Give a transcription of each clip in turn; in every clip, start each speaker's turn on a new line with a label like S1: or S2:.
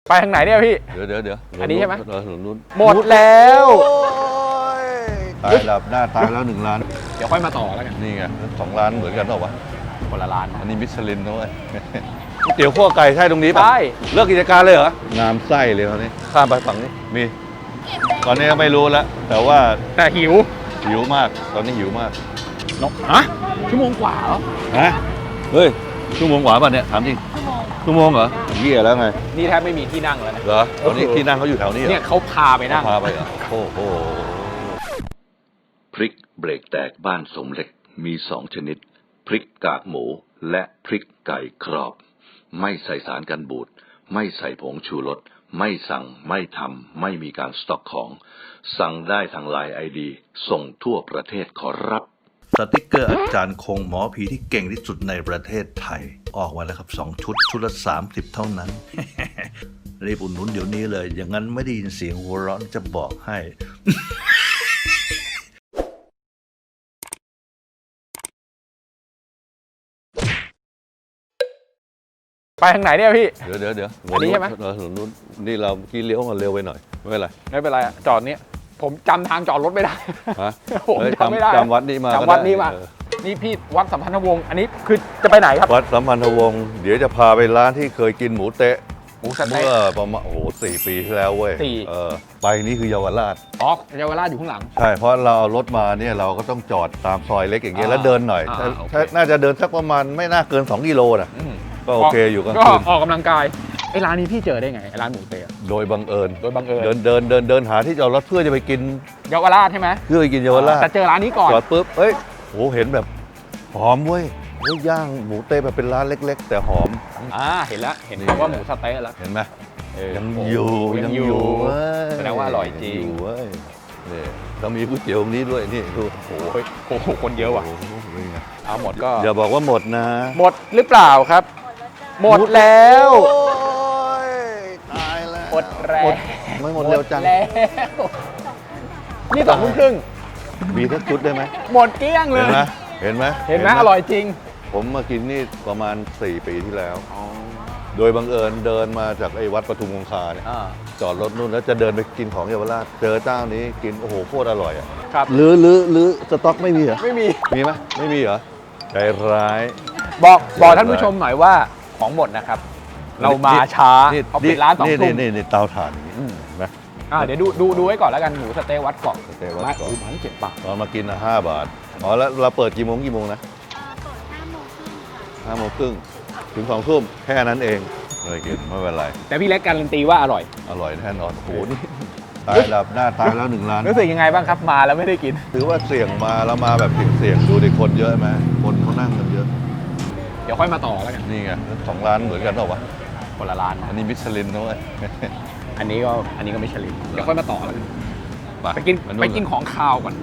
S1: ไปทางไหนเนี่ยพี่
S2: เดี๋ยว
S1: อันนี้ใช่ไหม
S2: นู้น
S1: หมดแล้ว
S2: ตายดับหน้าตายแล้ว1 ล้าน
S1: เดี๋ยวค่อยมาต่อแล้วกัน
S2: นี่ไง2 ล้านเหมือนกันหรอวะ
S1: คนละล้าน
S2: อันนี้มิชลินด้วยก๋วยเตี๋ยวขั้วไก่ใช่ตรงนี้ป่ะ
S1: ใช่
S2: เลิกกิจการเลยเหรองามไส้เลยตอนนี้ข้ามไปฝั่งนี้มีตอนนี้ก็ไม่รู้แล้วแต่
S1: หิว
S2: มากตอนนี้หิวมาก
S1: นกฮะชั่วโมงกว่าเหรอ
S2: ฮะเฮ้ยชั่วโมงกว่าป่ะเนี่ยถามจริงชั่วโมงเหรอเหี้ยแล้วไง
S1: นี่แทบไม่มีที่นั่งแล้วนะ
S2: เหรอตอนนี้ที่นั่งเขาอยู่แถวนี้
S1: เนี่ยเขาพาไปนั่ง
S2: พาไปเหรอโอ้โหพริกเบรกแตกบ้านสมเหล็กมี2 ชนิดพริกกากหมูและพริกไก่กรอบไม่ใส่สารกันบูดไม่ใส่ผงชูรสไม่สั่งไม่ทำไม่มีการสต็อกของสั่งได้ทางไลน์ ID ส่งทั่วประเทศขอรับสติกเกอร์อาจารย์คงหมอผีที่เก่งที่สุดในประเทศไทยออกมาแล้วครับ2 ชุดละ30เท่านั้น รีบอุดหนุนเดี๋ยวนี้เลยอย่างนั้นไม่ได้ยินเสียงหัวเราะจะบอกให้
S1: ไปทางไหนเนี่ยพี่
S2: เดี๋ยว
S1: อันนี้ใช่ไหม
S2: นู้นนี่เรากี้เลี้ยวมาเร็วไปหน่อยไม่เป็นไร
S1: อะจอดนี้ผมจำทางจอดรถไม่ได้ผมจำไม่ได้
S2: จำวัดนี้มา
S1: นี่พี่วัดสัมพันธวงศ์อันนี้คือจะไปไหนครับ
S2: วัดสัมพันธวงศ์เดี๋ยวจะพาไปร้านที่เคยกินหมูเต๊ะ
S1: เมื่
S2: อประมาณ4 ปีที่แล้วเว้ยไปนี่คือเยาวราช
S1: เยาวราชอยู่ข้างหลัง
S2: ใช่เพราะเราเอารถมาเนี่ยเราก็ต้องจอดตามซอยเล็กอย่างเงี้ยแล้วเดินหน่อยน่าจะเดินสักประมาณไม่น่าเกิน2 กิโลนะก็โอเคอยู่ก็
S1: ออกกำลังกายไอ้ร้านนี้พี่เจอได้ไงไอ้ร้านหมูเต๊ะ
S2: โดยบังเอิญ
S1: เ
S2: ดินหาที่จอดรถเพื่อจะไปกิน
S1: เยาวราชใช่ไหม
S2: เพื่อไปกินเยาวราช
S1: แต่เจอร้านนี้ก่อน
S2: จอดปุ๊บเฮ้ยโหเห็นแบบหอมเว้ยย่างหมูเต๊ะแบบเป็นร้านเล็กๆแต่หอม
S1: เห็นแล้วเห็นว่าหมูสเต๊ะแล้ว
S2: เห็นไหมยังอยู่
S1: แสดงว่าอร่อยจริง
S2: เว้ยนี่เรามีก๋วยเตี๋ยวตรงนี้ด้วยนี่ดู
S1: โอ้โหคนเยอะว่ะเอาหมดก็
S2: อย่าบอกว่าหมดนะ
S1: หมดหรือเปล่าครับหมดแล้ว
S2: ตายแล้ว
S1: หมดแล้ว
S2: ไม่หมดเร็วจัง
S1: นี่2 ทุ่มครึ่ง
S2: มีทั้งชุดได้ไหม
S1: หมดเกลี้ยงเลย
S2: เห็นไหม
S1: อร่อยจริง
S2: ผมมากินนี่ประมาณ4 ปีที่แล้วโดยบังเอิญเดินมาจากไอ้วัดปทุมคงคาเนี่ยจอดรถนู่นแล้วจะเดินไปกินของเยาวราชเจอเจ้านี้กินโอ้โหโคตรอร่อยอ่ะ
S1: ครับ
S2: หรือสต็อกไม่มีเหรอ
S1: ไม่มี
S2: ไหมไม่มีเหรอใจร้าย
S1: บอกท่านผู้ชมหน่อยว่าของหมดนะครับเรามาช้าเขาปิดร้าน2 ทุ่ม
S2: นี่เตาถ่านอย่างนี้นะ
S1: เดี๋ยวดูไว้ก่อนแล้วกันหมูสเต๊ะวัดเกาะมัน7 บาท
S2: ตอนมากิน5 บาทแล้วเราเปิดกี่โมงนะ5 โมงครึ่งถึง2 ทุ่มแค่นั้นเองเลยกินไม่เป็นไร
S1: แต่พี่เล็กการันตีว่าอร่อย
S2: แน่นอนโอ้โหนี่ตายดับหน้าตายแล้ว1 ล้าน
S1: รู้สึกยังไงบ้างครับมาแล้วไม่ได้กิน
S2: ถือว่าเสี่ยงมาแล้วมาแบบเสี่ยงดูดิคนเยอะไหมคนเขานั่งกันเยอะ
S1: เดี๋ยวค่อยมาต่อแล้วกัน
S2: นี่ไง2 ล้านเหมือนกันหรอวะ
S1: คนละล้าน
S2: อันนี้มิชลินด้วย
S1: อันนี้ก็มิชลินเดี๋ยวค่อยมาต่อแล้วกันไปกินของคาวก่อน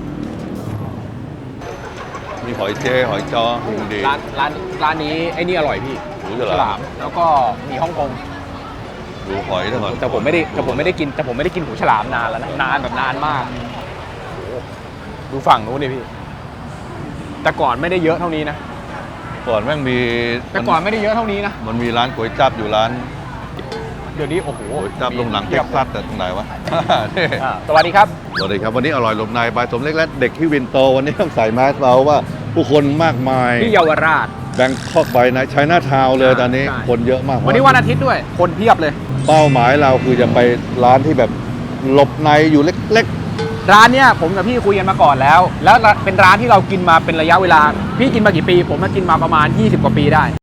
S2: มีหอยเจหอยจอดี
S1: ร้านนี้ไอ้นี่อร่อยพี่
S2: หู
S1: ฉลามแล้วก็มีฮ่องกง
S2: ดูหอยทั้งหมด
S1: แต่ผมไม่ได้กินหูฉลามนานแล้วนะนานมากดูฝั่งนู้นดิพี่แต่ก่อนไม่ได้เยอะเท่านี้นะ
S2: ก่อนแม่งมี
S1: แต่ก่อนไม่ได้เยอะเท่านี้นะ
S2: มันมีร้านก๋วยจั๊บอยู่ร้าน
S1: เดี๋ยวนี้โอ้โห
S2: ก๋วยจั๊บลงหนังเท็กซัสแต่ตรงไหนวะ
S1: สวัสดีครับ
S2: วันนี้อร่อยหลบในบายสมเล็กและเด็กที่วินโตวันนี้ต้องใส่แมสเราว่าผู้คนมากมาย
S1: ที่เยาวราช
S2: แบงคอกไปนะไชน่าทาวน์เลยตอนนี้คนเยอะมาก
S1: วันนี้วันอาทิตย์ด้วยคนเพียบเลย
S2: เป้าหมายเราคือจะไปร้านที่แบบหลบในอยู่เล็ก
S1: ๆร้านเนี้ยผมกับพี่คุยกันมาก่อนแล้วเป็นร้านที่เรากินมาเป็นระยะเวลาพี่กินมากี่ปีผมมากินมาประมาณ20 กว่าปีได้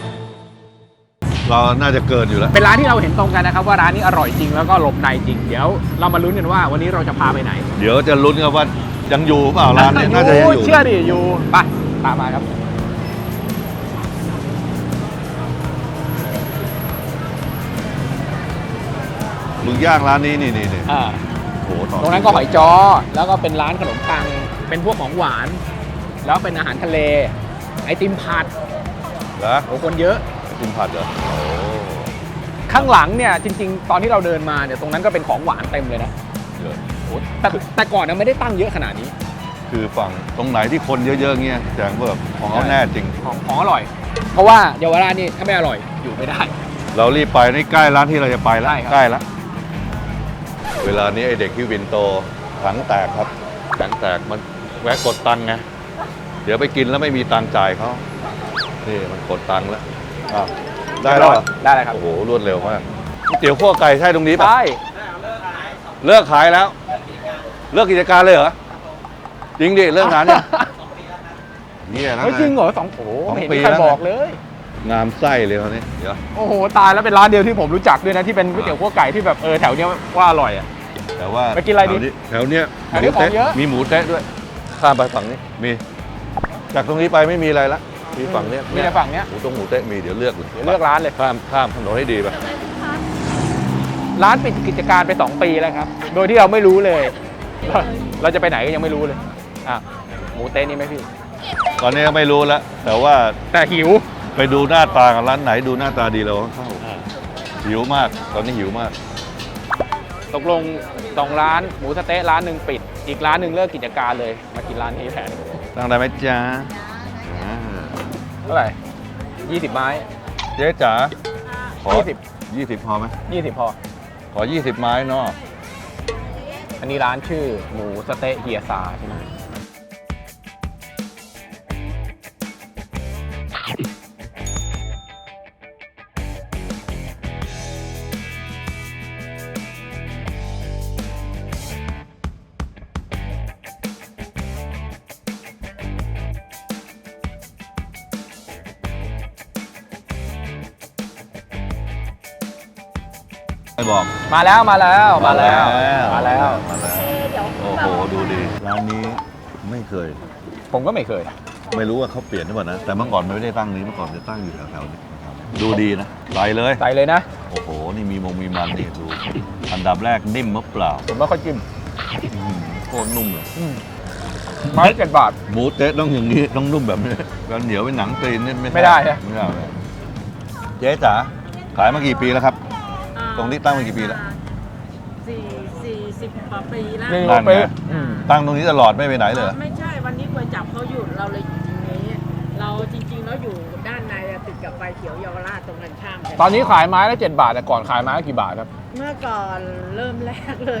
S2: เราน่าจะเกินอยู่แล้ว
S1: เป็นร้านที่เราเห็นตรงกันนะครับว่าร้านนี้อร่อยจริงแล้วก็หลบในจริงเดี๋ยวเรามาลุ้นกันว่าวันนี้เราจะพาไปไหน
S2: เดี๋ยวจะลุ้นกันว่ายังอยู่เปล่าร้านนี้น่าจะยังอยู่
S1: เชื่อดิอยู่ไปตามมาครับ
S2: มึงย่างร้านนี้นี่
S1: โอ้โหตรงนั้นก็หอยจ้อแล้วก็เป็นร้านขนมปังเป็นพวกของหวานแล้วเป็นอาหารทะเลไอติมผัด
S2: แล้ว
S1: โอ้คนเยอะ
S2: ไอติมผัดเหรอ
S1: ข้างหลังเนี่ยจริงๆตอนที่เราเดินมาเนี่ยตรงนั้นก็เป็นของหวานเต็มเลยนะแต่ก่อนเนี่ยไม่ได้ตั้งเยอะขนาดนี้
S2: คือฝั่งตรงไหนที่คนเยอะๆเงี้ยแสดงว่าของเขาแน่จริง
S1: ของอร่อยเพราะว่าเยาวราชนี่ถ้าไม่อร่อยอยู่ไม่ได้
S3: เรารีบไปนี่ใกล้ร้านที่เราจะไปแล้ว
S1: ใช่ครับ
S3: ใกล้แล้วเวลานี้ไอเด็กที่วินโตถังแตกครับถังแตกมันแวะกดตังค์ไงเดี๋ยวไปกินแล้วไม่มีตังค์จ่ายเขานี่มันกดตังค์แล้วอ้าวได้แล้วเหรอ
S1: ได้เลยครับ
S3: โอ้โหรวดเร็วมากเตี๋ยวขั้วไก่ใช่ตรงนี้ปะ
S1: ใช่
S3: เลิกขายแล้ว เลิกกิจการเลยเหรอจริงดิเลิกงานเนี่ยนี่นะ
S1: เฮ้ยจริงเหรอโอ้โห
S3: สอง
S1: ไม่เห็น
S3: ปี
S1: มีใคร
S3: แล้ว
S1: บอกเลย
S3: งามไส้เลยเขาเนี่ยเดี๋ยว
S1: โอ้โหตายแล้วเป็นร้านเดียวที่ผมรู้จักด้วยนะที่เป็นก๋วยเตี๋ยวคั่วไก่ที่แบบแถวเนี้ยว่าอร่อยอ่ะ
S3: แต่ว่า
S1: ไปกินอะไรดี
S3: แถวเนี้ย
S1: แถวนี้ของเยอะ
S3: มีหมูเต๊ะด้วย ข้ามไปฝั่งนี้มีจากตรงนี้ไปไม่มีอะไรละมีฝั่งเนี้ย
S1: มีแต่ฝั่งเนี้ย
S3: หมูเต๊ะมีเดี๋ยวเลือกเลย
S1: เดี๋ยวเลือกร้านเลย
S3: ข้ามถนนให้ดีไป
S1: ร้านปิดกิจการไป 2 ปีแล้วครับ โดยที่เราไม่รู้เลย เราจะไปไหนก็ยังไม่รู้เลยอ่ะหมูเต๊ะนี่ไหมพี่
S3: ตอนนี้ก็ไม่รู้แล้วแต่ว่า
S1: แต่หิว
S3: ไปดูหน้าตากันร้านไหนดูหน้าตาดีเราก็เข้าหิวมากตอนนี้หิวมาก
S1: ตกลง2ร้านหมูสะเต๊ะร้านหนึ่งปิด อีกร้านหนึ่งเลิกกิจการเลย มากินร้านนี้แทน
S3: ตั้งได้ไหมจ๊ะอ่า
S1: เท่าไหร่20 ไม้
S3: เจ๊จ๋าขอ
S1: 20
S3: 20พอไหม
S1: 20 พอ
S3: ขอ 20 ไม้เนาะ
S1: อันนี้ร้านชื่อหมูสะเต๊ะเฮียซาใช่ไหม
S3: ไม่บอก
S1: มาแล้วมาแล้วมาแล้ว
S3: มาแล้วโอ้โหดูดีร้านนี้ไม่เคย
S1: ผมก็ไม่เคย
S3: ไม่รู้ว่าเขาเปลี่ยนหรือเปล่านะ แต่เมื่อก่อนมันไม่ได้ตั้งนี้เมื่อก่อนจะตั้งอยู่แถวๆนี้นะครับดูดีนะใส่เลย
S1: ใส่เลยนะ
S3: โอ้โห นี่มีมันนี่ดู อันดับแรกนิ่มมะเปล่า
S1: ผมไม่ค่อยจิ้ม
S3: อื้อหือโคตรนุ่มเลย
S1: ไม้7 บาท
S3: หมูเต๊ะต้องอย่างนี้ต้องนุ่มแบบนี้แล้วเหนียวเป็นหนังตีนนี่
S1: ไม่ได้ฮะ
S3: ไม่ได้เลยเจ๊จ๋าขายมากี่ปีแล้วครับ ตรงนี้ตั้งมากี่ปีแล้ว
S4: 40 กว่าปีแล้ว
S1: นี่
S3: นั่นไง
S1: เป๊ะ
S3: ตั้งตรงนี้ตลอดไม่ไปไหนเลยเหรอ
S4: ไม่ใช่วันนี้ก๋วยจับเขาหยุดเราเลยอยู่ตรงนี้ เราจริงๆแล้วอยู่ด้านในอะติดกับไฟเขียวเยาวราชตรงกันข้ามกั
S1: ตอนนี้ขายไม้ละ7 บาทแต่ก่อนขายไม้ละกี่บาทครับ
S4: เมื่อก่อนเริ่มแรกเลย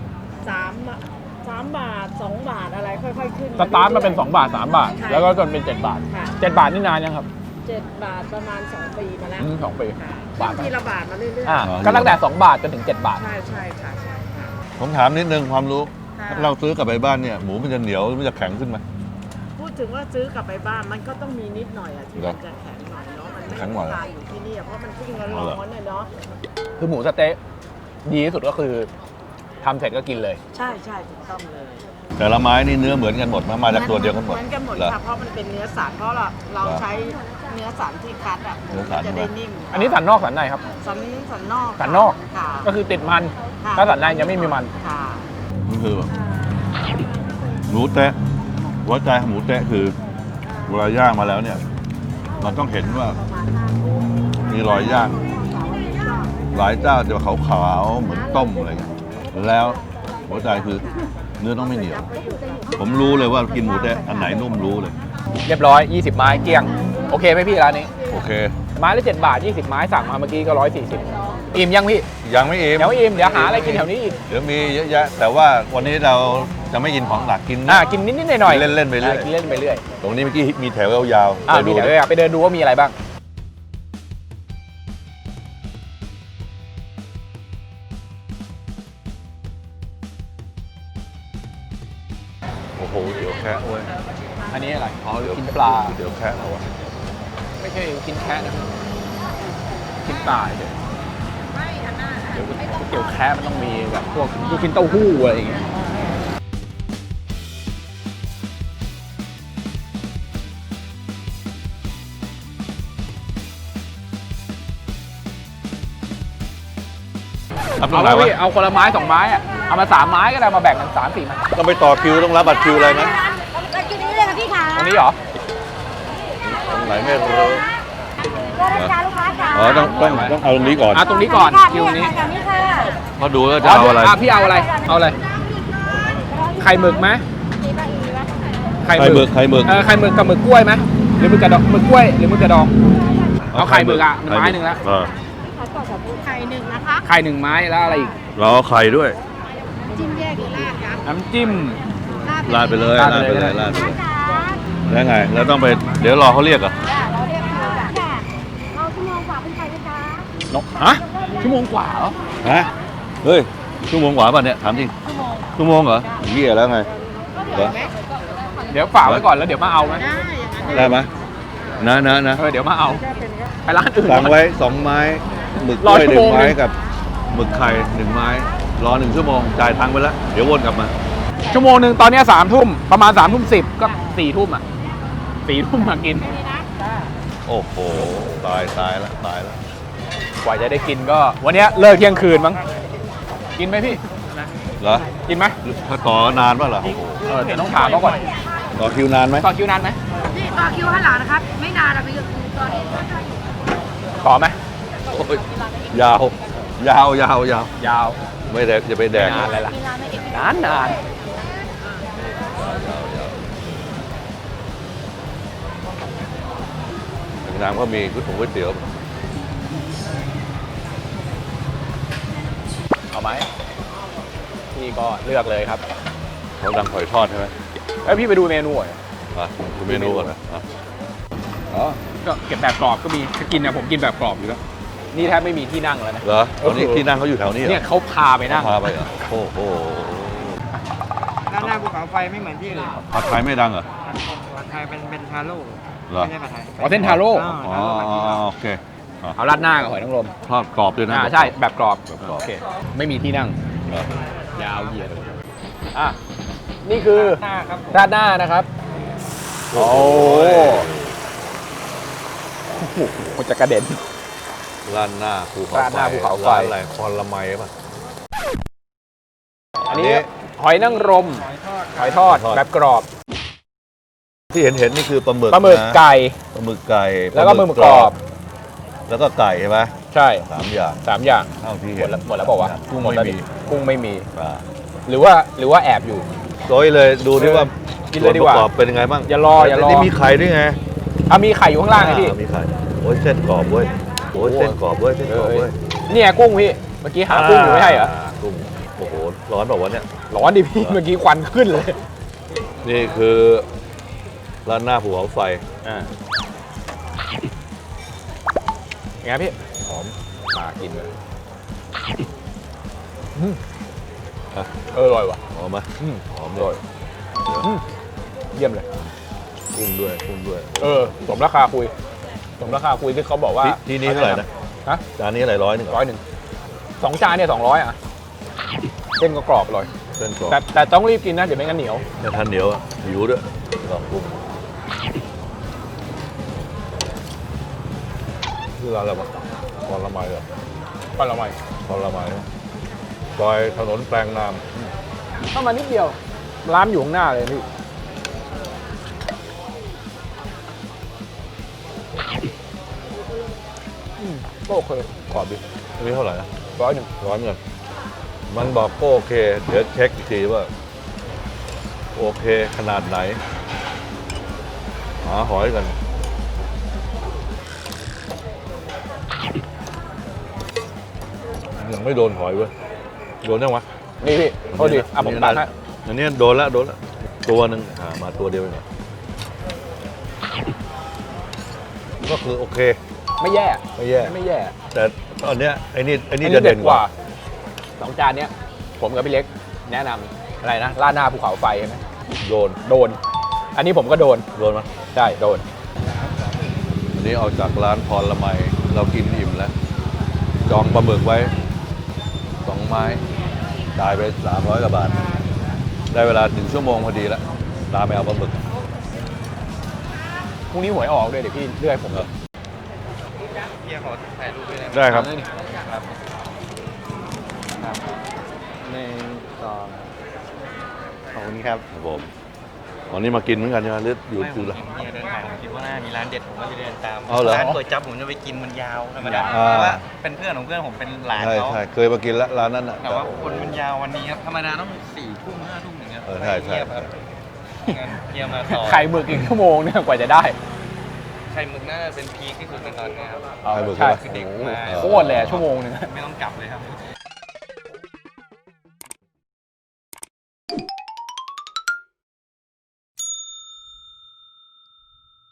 S4: 3 บาท 2 บาทอะไรค่อยๆขึ้น
S1: สตาร์ทมาเป็น2 บาท 3 บาท
S4: ใช่
S1: แล้วก็จนเป็น7 บาท
S4: ค่ะ
S1: 7 บาทนี่นานยังครับ
S4: 7 บาทประมาณ 2 ปีมาแล้ว
S1: 2 ปี
S4: ค่ะ
S1: บาท
S4: ทีละบาทมาเรื่อย
S1: อ่าก็ตั้งแต่2 บาทจนถึง7 บาท
S4: ๆใช่ใช่ค่ะใช่ค่ะ
S3: ผมถามนิดนึงความรู้
S4: ค่ะ
S3: ถ้าเราซื้อกลับไปบ้านเนี่ยหมูมันจะเหนียวหรือมันจะแข็งขึ้นไหม
S4: พูดถึงว่าซื้อกลับไปบ้านมันก็ต้องมีนิดหน่อยอะที่
S3: เหรอ
S4: มันจะแข็งหน่อยเนาะมันไม่
S3: แข็งหน่อย
S4: ตายอยู่ที่นี่อะเพราะมันเพิ่งร้
S3: เอาเหรอ
S4: อนๆเนี่ยเนาะ
S1: คือหมูสะเต๊ะดีที่สุดก็คือทำเสร็จก็กินเลย
S4: ใช่ใช่ถูกต้องเลย
S3: แต่ละไม้นี่เนื้อเหมือนกันหมดมาจากตัวเดียวกันหมด
S4: เหมือนกันหมด
S3: เหรอ
S4: ค่ะเพราะมันเป็นเนื้อสันเพราะเรา
S3: เหรอ
S4: ใช้เนื้อสันที่คัดอะหมู
S3: เนื้อสัน
S4: จะได้นิ่ม
S1: อันนี้สันนอกสันในครับ
S4: สันนอก
S1: สันนอก
S4: ค่ะ
S1: ก็คือติดมัน
S4: ค่ะ
S1: ถ้าสันในจะไม่มีมัน
S4: ค่ะ
S3: นี่คือแบบหมูเตะหัวใจของหมูเตะคือเวลาย่างมาแล้วเนี่ยมันต้องเห็นว่ามีรอยย่างหลายเจ้าจะขาวๆเหมือนต้มอะไรเงี้ยแล้วหัวใจคือเนื้อต้องไม่เหนียว ผมรู้เลยว่ากินหมูเตะอันไหนนุ่มรู้เลย
S1: เรียบร้อย 20 ไม้เกลี้ยง โอเคไหมพี่ร้านนี้
S3: โอเค
S1: ไม้ละ7 บาท 20 ไม้สั่งมาเมื่อกี้ก็140อิ่มยังพี่
S3: ยังไม่อิ่ม
S1: เดี๋ยวอิ่มเดี๋ยวหาอะไรกินแถวนี้อีก
S3: เดี๋ยวมีเยอะแยะ แต่ว่าวันนี้เราจะไม่กินของหลักกิน
S1: กินนิดๆหน่อยๆ
S3: เล่นๆไปเรื่อย
S1: กินเล่นไปเรื่อย
S3: ตรงนี้เมื่อกี้มีแถวยาวๆ
S1: อ่า
S3: ไป
S1: มี
S3: ดู
S1: เดี๋ยว
S3: ดิ
S1: ไปเดินดูว่ามีอะไรบ้าง
S3: โอ้โหเดี๋ยวแค่เว้ย
S1: อันนี้อะไรอ๋อกินปลา
S3: เดี๋ยวแค่เอาวะ
S1: ไม่ใช่กินแค่นะกินปลาเดี๋ยวก๋วยเตี๋ยวแค่มันต้องมีแบบพวกลูกชิ้นเต้าหู้อะไรอย่างเงี้ย
S3: รับตร
S1: เอา
S3: งไหน
S1: ละ
S3: วะ
S1: พี่เอาคนละไม้2 ไม้อะเอามา3 ไม้ก็ได้มาแบ่งกัน3-4 ไม้
S3: ต้องไปต่อคิวต้องรับบัตรคิวอะไรไหม
S5: เรากินนี้เลยค่ะพี่ขา
S1: ตรงนี้เหรอ
S3: ตรงไหนไม่รู้
S5: ก็ได้จ้าลูกค้าจ้า
S3: อ๋อต้องเอาตรงนี้ก่อน
S1: ตรงนี้ก่อน
S5: ค่ะ
S1: คิวนี้
S5: จากนี้ค่ะ
S3: เพราะดูแล้วจะเอาอะไร
S1: พี่เอาอะไรเอาอะไรไข่หมึกไหมไข่หมึก
S3: ไข่หมึก
S1: ไข่หมึกกับหมึกกล้วยไหมหรือหมึกกระดองหมึกกล้วยหรือหมึกกระดองเอาไข่หมึกอ่ะ1 ไม้แล้ว
S3: เออ
S4: ไข่หนึ่งนะคะ
S1: ไข่1 ไม้แล้วอะไรอีก
S3: เราเอาไข่ด้วย
S4: จิ้มแยกหรือราดคะ
S1: น้ำจิ้ม
S3: ราดไปเลย
S1: รา
S3: รา
S1: ด
S3: ด
S1: ไป
S3: ไป
S1: เล
S3: เลย ยราดไปเลย
S5: จ๋า
S3: แล้วไง แล้วต้องไป เดี๋ยวรอเขาเรียกเหรอ
S5: เราเรียกคิวจ้ะเราชั่วโมงกว่าเป็นใครไหมจ๊ะ
S1: นกฮะชั่วโมงกว่าเหรอ
S3: ฮะ เฮ้ย ชั่วโมงกว่าป่ะเนี่ย ถามจริง ชั่วโมงเหรอเหี้ยแล้วไงเหรอ
S1: เดี๋ยวฝากไว้ก่อนแล้วเดี๋ยวมาเอาไหม
S4: ได้อย่างนั้น
S3: ได้ไหมนะ
S1: เดี๋ยวมาเอาไปร้านอื่น
S3: สั่งไว้ 2 ไม้ หมึกก
S1: ร
S3: ล้
S1: อ
S3: วย
S1: ชั่วโมง
S3: 1 ไม้
S1: หนึ่ง
S3: กับหมึกไข่1 ไม้ รอ 1 ชั่วโมง จ่ายตังค์ไปแล้ว เดี๋ยววนกลับมา
S1: ชั่วโมงหนึ่งตอนเนี้ย3 ทุ่มประมาณ3 ทุ่ม 10ก็4 ทุ่มอ่ะ4 ทุ่มมากิน
S3: โอ้โห ตายแล้ว
S1: กว่าจะได้กินก็วันเนี้ยเลิกเที่ยงคืนมั้งกินไหมพี่
S3: เหรอ
S1: กินไหม
S3: ถ้าต่อนานป่ะเหรอ
S1: เดี๋ยวต้องถามเขาก่อน
S3: ต่อคิวนานไหม
S1: ต่อคิวนานไหม
S4: พี่ต่อคิวข้างหลังนะครับ ไม่นานอะพี่ตอนนี้
S1: ต่อไหม
S3: โอ้ยยาว
S1: ยาว
S3: ไม่แดกจะไปแดก
S1: นานอะไรล่ะนาน
S3: น้ำก็มีก๋วยเตี๋ยว
S1: เอาไหมพี่ก็เลือกเลยครับ
S3: เขาดังหอยทอดใช่ไหม
S1: เอ้ยพี่ไปดูเมนูหน่อย
S3: มาดูเมนูก่อนนะอ่ะ
S1: อ๋อก็เก็บแบบกรอบก็มีถ้ากินนะผมกินแบบกรอบอยู่แล้วนี่แทบไม่มีที่นั่งแล้วนะ
S3: เหรอตอนนี้ที่นั่งเขาอยู่แถวนี้เหรอ
S1: เนี่ยเขาพาไปนั่ง
S3: พาไปเหรอโอ้โห
S6: ด้านหน้าภูเขาไฟไม่เหมือนที่อื่น
S3: ผัดไทยไม่ดังเหรอ
S6: ผัดไทยเป็นทาโร่
S3: เหรอ
S6: ไม่ใช่ผัดไทย
S1: อ๋อเส้นทาโร่
S3: อ๋อโอเคอ่ะ
S1: เอาราดหน้ากับหอยนางรม
S3: ทอดกรอบด้วยนะ
S1: ใช่แบบกรอบ
S3: แบบกรอบ
S1: โอเคไม่มีที่นั่ง
S3: เหรอย
S1: าวเหยียดอ่ะนี่คือ
S6: หน้าครับผม
S1: ราดหน้านะครับ โอ้โหมันจะกระเด็น
S3: ร้านหน้าภูเขา
S1: ร้านหน้าภูเขาไฟ
S3: ร้านอะไรคอนละไมป่ะ
S1: อันนี้หอยนางรม หอยทอดแบบกรอบ
S3: ที่เห็นนี่คือปลาหมึก
S1: ปลาหมึก
S3: นะ
S1: ไก่
S3: ปลาหมึกไก่
S1: แล้วก็หมึกกรอบ
S3: แล้วก็ไก่ใช่ไหม
S1: ใช่
S3: 3 อย่าง
S1: 3 อย่าง
S3: เท่าที่
S1: หม
S3: เห็
S1: ด
S3: น
S1: แล้วหมดแล้วบอกว่าวะ
S3: กุ้ง
S1: หด
S3: ไม่
S1: แล้ว
S3: มี
S1: ดิกุ้งไม่มี
S3: อ่า
S1: หรือว่าแอบอยู่
S3: โดยเลยดูที่ว่า
S1: กินเลยดีกว่า
S3: ส่นประอบเป็นยังไงบ้าง
S1: อย่ารอ
S3: นี่มีไข่ด้วยไง
S1: มีไข่อยู่ข้างล่างไงพี่
S3: มีไข่โอ้ยเส้นกรอบเว้ยโอ้ยเส้นกรอบเว้ยเส้นกรอบเว้ย
S1: เนี่ยกุ้งพี่ เมื่อกี้หากุ้งอยู่ไม่ใช่เหรอ
S3: กุ้งโอ้โหร้อนแบบว่าวะเนี่ย
S1: ร้อนดิพี่ เมื่อกี้ควันขึ้นเลย
S3: นี่คือร้านหน้าภูเขาไฟ
S1: ยังไงพี่ หอมมากินเลยอร่อยว่ะ
S3: หอมไหมหอม
S1: อ
S3: เล
S1: ร่อย
S3: ย
S1: เยี่ยมเลย
S3: กุ้งด้วย
S1: สมราคาคุยที่เขาบอกว่า
S3: ที่นี่เท่าไหร่นะ
S1: ฮะ
S3: จานนี้อะไร100
S1: 100 2 จานเนี่ย200อ่ะเส้นก็กรอบอร่อย
S3: เส้นกรอบ
S1: แต่ต้องรีบกินนะเดี๋ยวไม่งั้นเหนียว
S3: แต่ทานเหนียวอะหิวด้วยลองกุ้งคือร้านอะไรวะคอนละไมเหรอ
S1: ก็ละไม
S3: คอนละไมซอยถนนแปลงนาม
S1: เข้ามานิดเดียวร้านอยู่ข้างหน้าเลยพี่ก็โอเคกรอบดี
S3: อันนี้เท่าไหร่นะ
S1: 100
S3: ร้อนเงินมันบอกก็โอเค เดี๋ยวเช็คอีกทีว่า โอเคขนาดไหน หาหอยกัน ยังไม่โดนหอยเว้ย โดนยังวะ
S1: นี่พี่โทษดีผมตัดให้
S3: อันนี้โดนแล้วตัวหนึ่งมาตัวเดียวเองก็คือโอเค
S1: ไม่แย่
S3: ไม่แย่
S1: ไม่แย่
S3: แต่ตอนเนี้ยไอ้นี่จะเด่นกว่า
S1: 2 จานเนี้ยผมกับพี่เล็กแนะนำอะไรนะราดหน้าภูเขาไฟใช่ไหม
S3: โดน
S1: โดน อันนี้ผมก็โดน
S3: ไหม
S1: ใช่โดน
S3: อันนี้เอาจากร้านพรละไมเรากินอิ่มแล้ว จองปลาหมึกไว้2 ไม้จ่ายไป300 กว่าบาท ได้เวลา1 ชั่วโมงพอดีแล้วตามไปเอาปลาหมึก
S1: พรุ่งนี้หวยออกด้วยเดี๋ยวพี่เลือกให้ผมเลย
S6: เฮียขอถ่ายรูปด้วยนะ
S3: ได้ครับ
S6: ขอบคุณครับ
S3: ครับผมวันนี้มากินเหมือนกันใช่ไหมหรืออยู่
S6: ไม่ผ
S3: ดู
S6: ม
S3: ละ
S6: เห็นเฮียเดินผ่านผมคิดว่าน่ามีร้านเด็ดผมก็เลยเดินตาม
S3: เอาเหรอ
S6: ร้านก๋วยจั๊บผมจะไปกินมันยาวธรรมดา
S3: อ่า
S6: เพราะว่าเป็นเพื่อนของเพื่อนผมเป็นหลาน
S3: ใช่
S6: เขา
S3: ใช่เคยมากินแล้วร้านนั้นน่ะ
S6: แต่ว่าคนมันยาววันนี้ครับธรรมดาต้อง4 ทุ่ม5 ทุ่มอย่างเงี้ย
S3: ใช่
S6: เงียบครับงั้นเฮียมาต่อ
S1: ไข่หมึกอีกชั่วโมงเนี่ยกว่าจะได้
S6: ไข่หมึกน่าจะเป็นพีคที่สุดในตอนนี้ครับ
S3: ไข่หมึก
S1: ใช่
S3: ใช่ไหม
S1: โอ้โหโคตรเลยอะชั่วโมงหนึง
S6: ไม่ต้องกลับเลยครับ